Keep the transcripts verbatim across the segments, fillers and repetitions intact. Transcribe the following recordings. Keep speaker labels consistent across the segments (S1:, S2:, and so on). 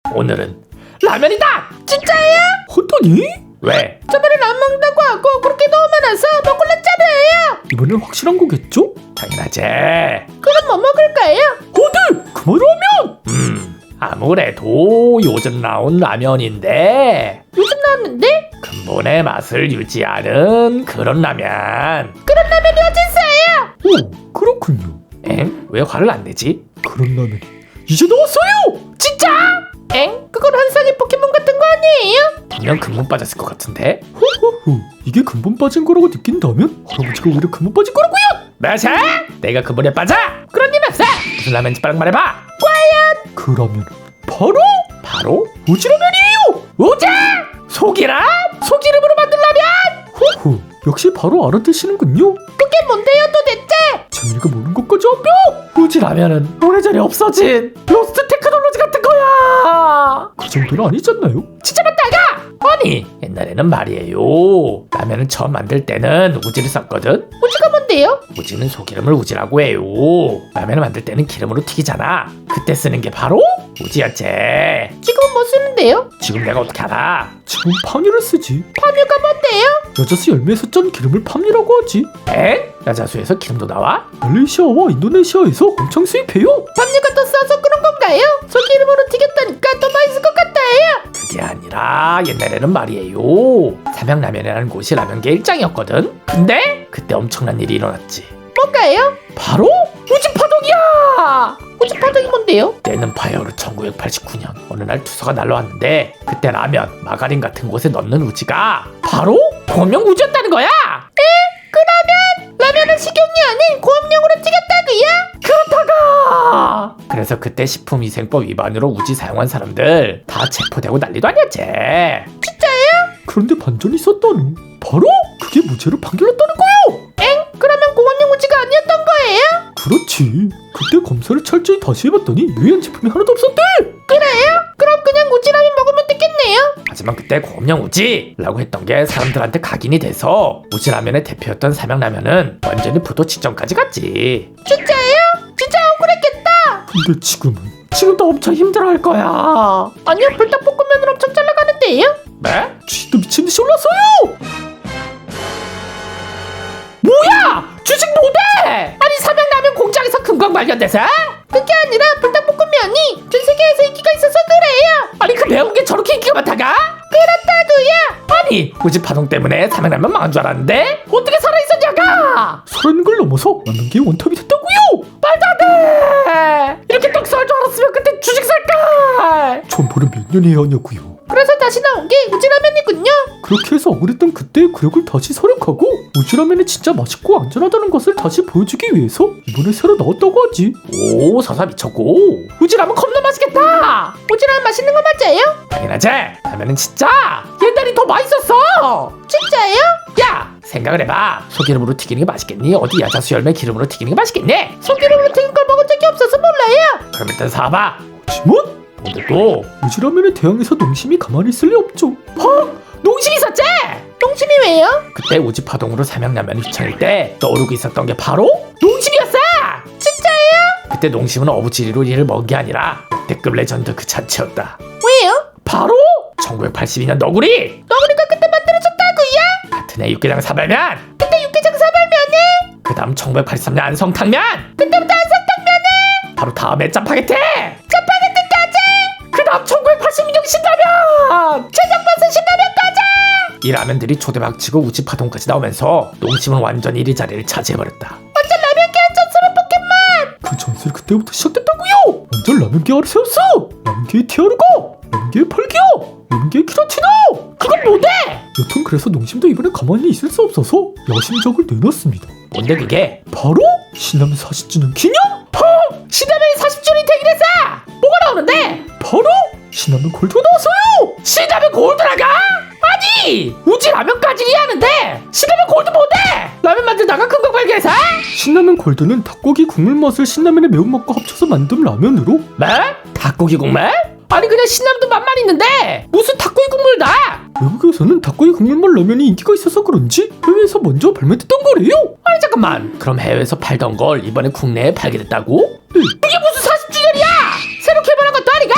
S1: 오늘은 라면이다!
S2: 진짜예요?
S3: 헌터니?
S1: 왜?
S2: 저번에 안 먹는다고 하고 그렇게 너무 많아서 먹을랬잖아요.
S3: 이번엔 확실한 거겠죠?
S1: 당연하지.
S2: 그럼 뭐 먹을까요?
S3: 어들! 그만하면!
S1: 음 아무래도 요즘 나온 라면인데
S2: 요즘 나왔는데?
S1: 근본의 맛을 유지하는 그런 라면.
S2: 그런 라면이 어딨어요?
S3: 오, 그렇군요.
S1: 엥? 왜 화를 안 내지?
S3: 그런 라면이 이제 나왔어요!
S2: 진짜? 엥? 그건 환상의 포켓몬 같은 거 아니에요?
S1: 분명 근본 빠졌을 것 같은데?
S3: 호호호, 이게 근본 빠진 거라고 느낀다면 할아버지가 오히려 근본 빠진 거라고요!
S1: 맞아? 내가 근본에 빠져?
S2: 그런 일 없어.
S1: 무슨 라면인지 빨리 말해봐.
S3: 그 라면은 바로
S1: 바로
S3: 우지라면이에요!
S1: 우자! 소기람? 소기름으로 만든 라면?
S3: 호호, 역시 바로 알아듣시는군요.
S2: 그게 뭔데요 도대체?
S3: 재민이가 모르는 것까지 한표!
S1: 우지 라면은 오래전에 없어진 로스트 테크놀로지 같은 거야.
S3: 그 정도는 아니잖아요?
S2: 진짜 맞다가?
S1: 아니 옛날에는 말이에요, 라면을 처음 만들 때는 우지를 썼거든.
S2: 우주가 뭔데요?
S1: 우지는 소기름을 우지라고 해요. 라면을 만들 때는 기름으로 튀기잖아. 그때 쓰는 게 바로 우지였지.
S2: 지금은 뭐 쓰는데요?
S1: 지금 내가 어떻게 알아?
S3: 지금 파뮤를 쓰지.
S2: 파묘가 뭔데요?
S3: 여자수 열매에서 짠 기름을 파뮤라고 하지.
S1: 에? 야자수에서 기름도 나와?
S3: 말레이시아와 인도네시아에서 엄청 수입해요.
S2: 파묘가 더 싸서 그런 건가요? 소기름으로 튀겼다니까 더 맛있을 것 같아요.
S1: 그게 아니라 옛날에는 말이에요, 삼양라면이라는 곳이 라면계 일장이었거든. 근데 그때 엄청난 일이 일어났지.
S2: 뭔가요?
S1: 바로 우주파동이야.
S2: 우주파동이 뭔데요?
S1: 때는 바야흐로 천구백팔십구 년 어느 날 투서가 날라왔는데 그때 라면, 마가린 같은 곳에 넣는 우지가 바로 고명 우지였다는 거야.
S2: 그러면 라면은 식용유 아닌 고함용으로 튀겼다고요?
S1: 그렇다가 그래서 그때 식품위생법 위반으로 우지 사용한 사람들 다 체포되고 난리도 아니었지.
S3: 그런데 반전이 있었다는. 바로 그게 무죄로 판결났다는 거요.
S2: 엥? 그러면 고함용 우지가 아니었던 거예요?
S3: 그렇지. 그때 검사를 철저히 다시 해봤더니 유해한 제품이 하나도 없었대.
S2: 그래요? 그럼 그냥 우지라면 먹으면 되겠네요.
S1: 하지만 그때 고음령 우지라고 했던 게 사람들한테 각인이 돼서 우지라면의 대표였던 삼양라면은 완전히 부도 직전까지 갔지.
S2: 진짜예요? 진짜 억울했겠다.
S3: 근데 지금은
S1: 지금도 엄청 힘들어할 거야.
S2: 아니요, 불닭볶음면을 엄청 잘 나가는데요.
S1: 네?
S3: 주식도 미친듯이 올랐어요.
S1: 뭐야? 주식 뭐대? 아니 삼양라면 공장에서 금광 발견돼서?
S2: 그게 아니라 불닭볶음면이 전 세계에서 인기가 있어서 그래요.
S1: 아니 그 매운 게 저렇게 인기가 많다가?
S2: 그렇다고요.
S1: 아니 우지 파동 때문에 삼양라면 망한 줄 알았는데 어떻게 살아있었냐가?
S3: 살아있는 걸 넘어서 라면계의 원탑이 됐다고요.
S1: 말도 안 돼. 이렇게 떡 살 줄 알았으면 그때 주식 살걸.
S3: 전보를 몇 년이 해야 하냐고요.
S2: 그래서 다시 나온 게 우지라면이군요.
S3: 그렇게 해서 억울했던 그때의 굴욕을 다시 서력하고 우지라면이 진짜 맛있고 안전하다는 것을 다시 보여주기 위해서 이번에 새로 나왔다고 하지.
S1: 오 서사 미쳤고 우지라면 겁나 맛있겠다.
S2: 우지라면 맛있는 거 맞아요?
S1: 당연하지. 라면은 진짜 옛날이 더 맛있었어.
S2: 진짜예요?
S1: 야 생각을 해봐. 소기름으로 튀기는 게 맛있겠니? 어디 야자수 열매 기름으로 튀기는 게 맛있겠니?
S2: 소기름으로 튀긴 걸 먹은 적이 없어서 몰라요.
S1: 그럼 일단 사봐.
S3: 하지만
S1: 오늘도
S3: 우지라면에 대항해서 농심이 가만히 있을 리 없죠.
S1: 농심이 있었지?
S2: 농심이 왜요?
S1: 그때 우지파동으로 삼양라면이 휘청일 때 떠오르고 있었던 게 바로 농심이었어.
S2: 진짜예요?
S1: 그때 농심은 어부지리로 이를 먹은 게 아니라 역대급 레전드 그 자체였다.
S2: 왜요?
S1: 바로 천구백팔십이 년 너구리.
S2: 너구리가 그때 만들어졌다고요?
S1: 같은 해 육개장 사발면.
S2: 그때 육개장 사발면에?
S1: 그 다음 천구백팔십삼 년 안성탕면.
S2: 그때부터 안성탕면에?
S1: 바로 다음에 짜파게티.
S2: 짜파게티까지?
S1: 그 다음 천구백팔십이 년 신라면.
S2: 최정버스 신라면까지?
S1: 이 라면들이 초대박치고 우지파동까지 나오면서 농심은 완전히 이 자리를 차지해버렸다.
S2: 완전 라면계 전설의 포켓몬!
S3: 그 전설이 그때부터 시작됐다고요. 완전 라면계 아를 세웠어. 라면계의 티아르가, 라면계의 펄기어, 라면계의 키라티노.
S1: 그건 뭐대?
S3: 여튼 그래서 농심도 이번에 가만히 있을 수 없어서 야심작을 내놨습니다.
S1: 뭔데 그게?
S3: 바로 신라면 사십 주년 기념.
S1: 신라면이 사십 주년이 되긴 했어. 뭐가 나오는데?
S3: 바로 신라면 골드가 나왔어요.
S1: 신라면 골드라가? 아니 우지 라면까지 이해하는데 신라면 골드 뭔데? 라면 만들다가 큰 거 발견해서?
S3: 신라면 골드는 닭고기 국물 맛을 신라면의 매운맛과 합쳐서 만든 라면으로.
S1: 뭐? 닭고기 국물? 아니 그냥 신라면도 맛만 있는데 무슨 닭고기 국물 나?
S3: 외국에서는 닭고기 국물맛 라면이 인기가 있어서 그런지 해외에서 먼저 발매됐던 거래요.
S1: 아니 잠깐만, 그럼 해외에서 팔던 걸 이번에 국내에 팔게 됐다고?
S3: 네.
S1: 이게 무슨 사십 주년이야? 새로 개발한 것도 아니가?
S3: 여튼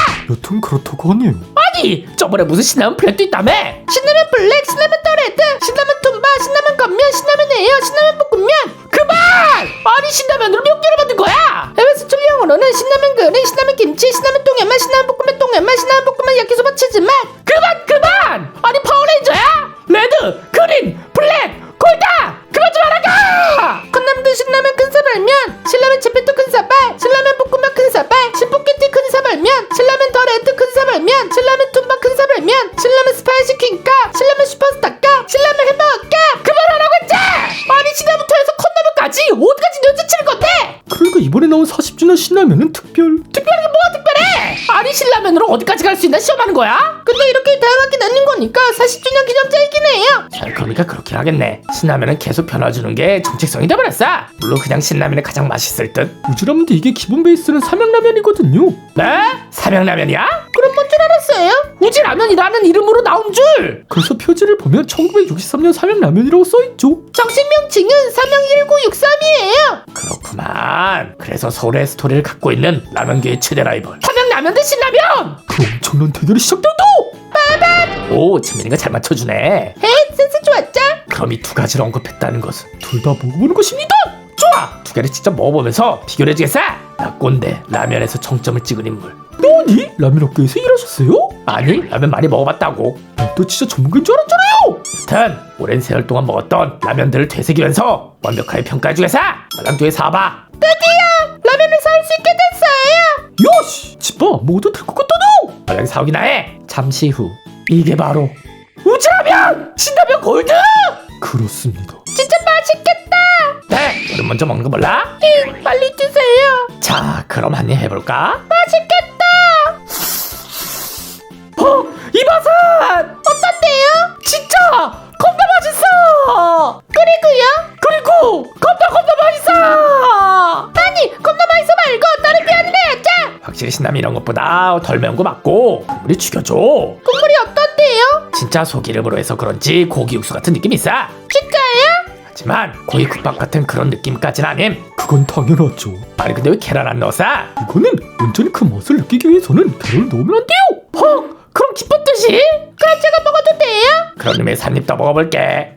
S3: 그럼 그렇다고 하네요.
S1: 아니 저번에 무슨 신라면 블랙도 있다며?
S2: 신라면 블랙, 신라면 더레드, 신라면 tum바, 신라면 건면, 신라면 에어, 신라면 볶음면.
S1: 그만! 아니 신라면으로 몇 개를 만든 거야?
S2: 해외 수출 영어로는 신라면 그릇, 신라면 김치, 신라면 똥연맛, 신라면 볶음면 똥연맛, 신라면 볶음면 야키소바 치즈맛.
S1: 그만 그만! 아니 파워레인저야? 레드, 그린, 블랙, 골다! 그만 좀 하라가!
S2: 컵라면도 신라면 큰 사발면, 신라면 채페토 큰 사발, 신라면 볶음면 큰 사발, 신포켓티 큰 사발면, 신라면 더레드 큰 사발면, 신라면 tum바 큰 사발면, 신라면 스파이시 퀸값, 신라면 슈퍼스타값, 신라면 햄버거값.
S1: 그만하라고 했지! 아니 신라면부터 해서 컵라면까지 어디까지 연재치는 건데?
S3: 그러니까 이번에 나온 사십 주년 신라면은 특별.
S1: 특별한 게 뭐가 특별해? 아니 신라면으로 어디까지 갈 수 있나 시험하는 거야?
S2: 근데 이렇게 다양하게 나뉜 거니까 사십 주년 기념자이긴 해요.
S1: 그러니까 그렇긴 하겠네. 신라면은 계속 변화주는 게 정체성이 돼버렸어. 물론 그냥 신라면이 가장 맛있을 듯.
S3: 우즈라면도 이게 기본 베이스는 삼양라면이거든요.
S1: 네? 삼양라면이야?
S2: 그럼 뭔 줄 알았어요?
S1: 우지라면이라는 이름으로 나온 줄.
S3: 그래서 표지를 보면 천구백육십삼 년 삼양라면이라고 써있죠.
S2: 정식 명칭은 삼양일구육삼이에요.
S1: 그렇구만. 그래서 서울의 스토리를 갖고 있는 라면계의 최대 라이벌 삼양라면 대 신라면.
S3: 그 엄청난 대결이 시작된다.
S1: 오 재민이가 잘 맞춰주네.
S2: 헤, 센스 좋았죠?
S1: 그럼 이 두 가지를 언급했다는 것은
S3: 둘 다 먹어보는 것입니다.
S1: 좋아. 두 개를 직접 먹어보면서 비교를 해주겠어. 나 꼰대 라면에서 정점을 찍은 인물.
S3: 너니? 라면 업계에서 일하셨어요?
S1: 아니 라면 많이 먹어봤다고.
S3: 너 진짜 전문가인 줄 알았잖아요.
S1: 여튼 오랜 세월 동안 먹었던 라면들을 되새기면서 완벽하게 평가해주겠어. 말랑두에 사봐.
S2: 드디어 라면을 사올 수 있게 됐어요.
S3: 야씨, 집밥 안 먹어도 될 것 같다 너.
S1: 얼른 사오기나 해. 잠시 후 이게 바로 우즈라면 신라면 골드.
S3: 그렇습니다.
S2: 진짜 맛있겠다.
S1: 네 너는 먼저 먹는 거 몰라?
S2: 히, 빨리 주세요.
S1: 자 그럼 한 입 해볼까?
S2: 맛있겠다.
S1: 어 이바산
S2: 어떤데요?
S1: 진짜 겁나 맛있어.
S2: 그리고요?
S1: 그리고 겁나 겁나 맛있어.
S2: 아니, 겁나 맛있어 말고 다른 표현을 해야죠.
S1: 확실히 신라면 이런 것보다 덜 매운 거 맞고 국물이 죽여줘.
S2: 국물이 어떤데요?
S1: 진짜 소기름으로 해서 그런지 고기 육수 같은 느낌이 있어.
S2: 진짜요?
S1: 하지만 고기 국밥 같은 그런 느낌까진 아님.
S3: 그건 당연하죠.
S1: 아니 근데 왜 계란 안 넣었어?
S3: 이거는 온전히 그 맛을 느끼기 위해서는 계란을 넣으면 안 돼요.
S1: 어? 그럼 기쁜 뜻이?
S2: 그럼 제가 먹어도 돼요?
S1: 그런 의미에서 한 입 더 먹어볼게.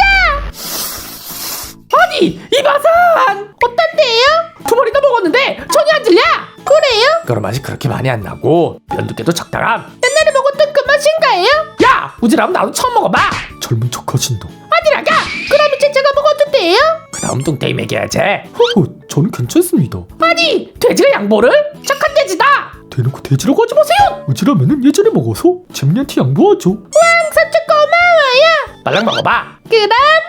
S1: 아니 이바산
S2: 어떤데요?
S1: 두 번이나 먹었는데 전혀 안 질려.
S2: 그래요?
S1: 그런 맛이 그렇게 많이 안 나고 면 두께도 적당함.
S2: 옛날에 먹었던 그 맛인가요?
S1: 야 우지라면 나도 처음 먹어봐.
S3: 젊은 척하신다.
S1: 아니라가.
S2: 그럼 이제 제가 먹어도 돼요?
S1: 그 다음 뚱땡이 먹여야지.
S3: 허허, 저는 괜찮습니다.
S1: 아니 돼지가 양보를? 착한 돼지다.
S3: 대놓고 돼지라고 하지 마세요. 우즈라면은 예전에 먹어서 재민이한테 양보하죠.
S2: 왕 삼촌 고마워요.
S1: 빨랑 먹어봐.
S2: 그럼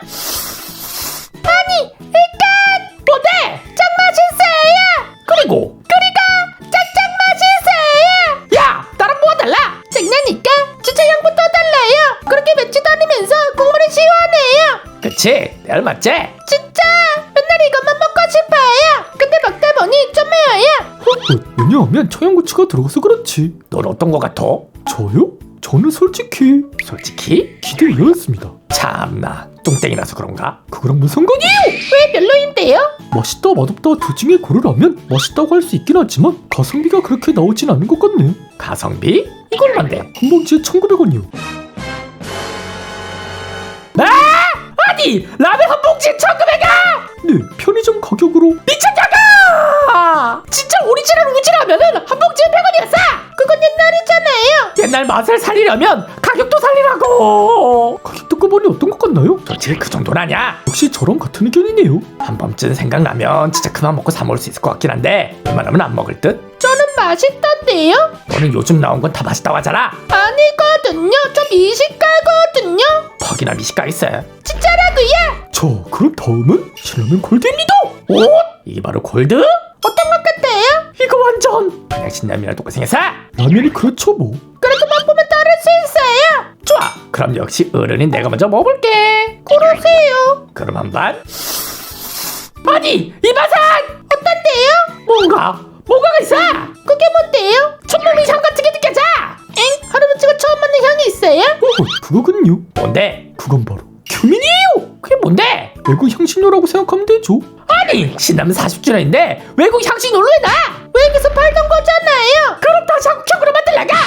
S2: 아니 일단
S1: 뭔데?
S2: 짱 맛있어요.
S1: 그리고
S2: 그리고 짱짱 맛있어요.
S1: 야 나랑 뭐가 달라?
S2: 장난이니까 주차 양부터 달라요. 그렇게 맵지도 않으면서 국물이 시원해요.
S1: 그치 내 알맞지?
S2: 진짜 맨날 이것만 먹고 싶어요. 근데 먹다 보니 좀 매워요.
S3: 허허, 왜냐하면 청양고추가 들어가서 그렇지.
S1: 넌 어떤 거 같아?
S3: 저요? 저는 솔직히
S1: 솔직히?
S3: 기대 이하였습니다.
S1: 참나 뚱땡이라서 그런가?
S3: 그거랑 무슨 상관이에요?
S2: 왜 별로인데요?
S3: 맛있다 맛없다 둘 중에 고르라면 맛있다고 할 수 있긴 하지만 가성비가 그렇게 나오진 않은 것 같네.
S1: 가성비? 이건 뭔데?
S3: 한 봉지에 천구백 원이요.
S1: 아! 아니 라면 한 봉지에 천구백 원!
S3: 네, 편의점 가격으로.
S1: 미쳤냐가! 진짜 오리지널 우지라면은 한 봉지에 백 원이었어!
S2: 그건 옛날이잖아요.
S1: 옛날 맛을 살리려면 가격도 살리라고!
S3: 가격 듣고 보니 어떤 것 같나요?
S1: 솔직히 그 정도는 아니야.
S3: 역시 저랑 같은 의견이네요.
S1: 한 번쯤 생각나면 진짜 그만 먹고 사 먹을 수 있을 것 같긴 한데 웬만하면 안 먹을 듯?
S2: 저는 맛있던데요?
S1: 너는 요즘 나온 건 다 맛있다고 하잖아.
S2: 아니거든요. 저 미식가거든요.
S1: 퍽이나 미식가 있어.
S2: 진짜라고요?
S3: 자, 그럼 다음은 신라면 골드입니다.
S1: 오? 이게 바로 골드?
S2: 어떤 것 같아요?
S1: 이거 완전 그냥 신라면이랑 똑같이 생겼어.
S3: 라면이 그렇죠 뭐.
S2: 그래도 맛보면 따를 수 있어요.
S1: 좋아. 그럼 역시 어른인 내가 먼저 먹어볼게.
S2: 그러세요.
S1: 그럼 한 반. 아니 이 맛은
S2: 어떤데요?
S1: 뭔가 뭔가가 있어.
S2: 그게 뭔데요?
S1: 천몸이 향 같은 게 느껴져.
S2: 엥? 할아버지가 처음 맡는 향이 있어요?
S3: 어, 그거군요.
S1: 뭔데?
S3: 그건 바로 규민이에요.
S1: 그게 뭔데?
S3: 외국 향신료라고 생각하면 되죠.
S1: 아니 신라면 사십 주년인데 외국 향신료로 해놔.
S2: 외국에서 팔던 거잖아요.
S1: 그럼 다시 한국형으로 만들라가.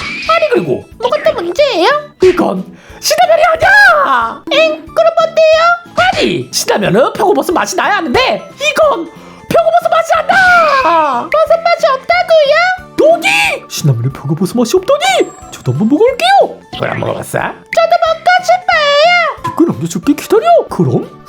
S1: 신라면은 표고버섯 맛이 나야 하는데 이건 표고버섯 맛이 안 나.
S2: 버섯 맛이 없다고요?
S1: 도기!
S3: 신라면에 표고버섯 맛이 없다니! 저도 한번 먹어볼게요.
S1: 이걸 안 먹어봤어?
S2: 저도 먹고 싶어요.
S3: 댓글 남겨줄게. 기다려. 그럼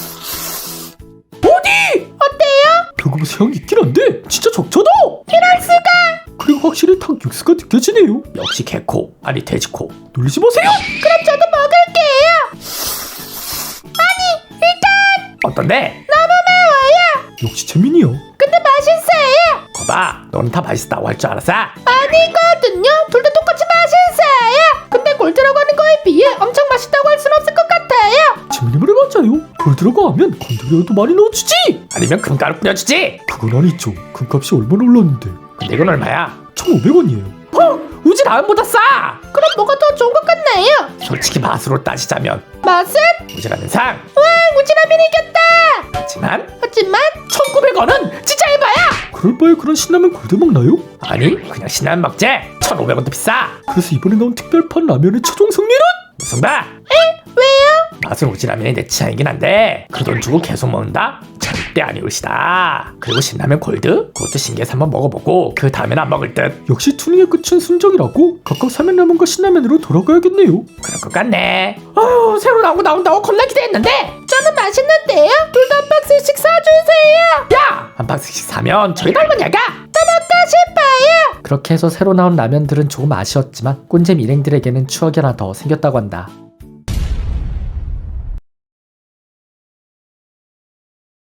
S1: 어디?
S2: 어때요?
S3: 표고버섯 향이 있긴 한데 진짜 적잖아.
S2: 이럴 수가.
S3: 그리고 확실히 탕 육수가 느껴지네요.
S1: 역시 개코 아니 돼지코.
S3: 놀리지 마세요.
S2: 그럼 저도 먹을게요. 아니 일단
S1: 어떤데?
S2: 너무 매워요.
S3: 역시 재민이야.
S2: 근데 맛있어요.
S1: 거봐 너는 다 맛있다고 할 줄 알았어?
S2: 아니거든요. 둘 다 똑같이 맛있어요. 근데 골드라고 하는 거에 비해 엄청 맛있다고 할 순 없을 것 같아요.
S3: 재민이 말이 맞아요. 돌 들어가면 건더기라도 많이 넣어주지.
S1: 아니면 금가루 뿌려주지.
S3: 그건 아니죠. 금값이 얼마나 올랐는데.
S1: 근데 이건 얼마야?
S3: 천오백 원이에요.
S1: 어? 우지 라면보다 싸.
S2: 그럼 뭐가 더 좋은 것 같나요?
S1: 솔직히 맛으로 따지자면
S2: 맛은?
S1: 우지라면 상.
S2: 와 우지라면이 이겼다.
S1: 하지만
S2: 하지만
S1: 천구백 원은 진짜 해봐야.
S3: 그럴 바에 그런 신라면 골드 먹나요?
S1: 아니 그냥 신라면 먹재. 천오백 원도 비싸.
S3: 그래서 이번에 나온 특별판 라면의 최종 승리는?
S1: 무슨 봐?
S2: 왜요?
S1: 맛은 우지라면이 내 취향이긴 한데 그 돈 주고 계속 먹는다? 절대 아니올 시다. 그리고 신라면 골드? 그것도 신기해서 한번 먹어보고 그 다음엔 안 먹을 듯.
S3: 역시 투닝의 끝은 순정이라고 각각 사면라면과 신라면으로 돌아가야겠네요.
S1: 그럴 것 같네. 아유 새로 나오고 나온다고 겁나 기대했는데.
S2: 저는 맛있는데요. 둘 다 한 박스씩 사주세요.
S1: 야! 한 박스씩 사면 저희 할머니가
S2: 또 먹고 싶어요.
S3: 그렇게 해서 새로 나온 라면들은 조금 아쉬웠지만 꼰잼 일행들에게는 추억이 하나 더 생겼다고 한다.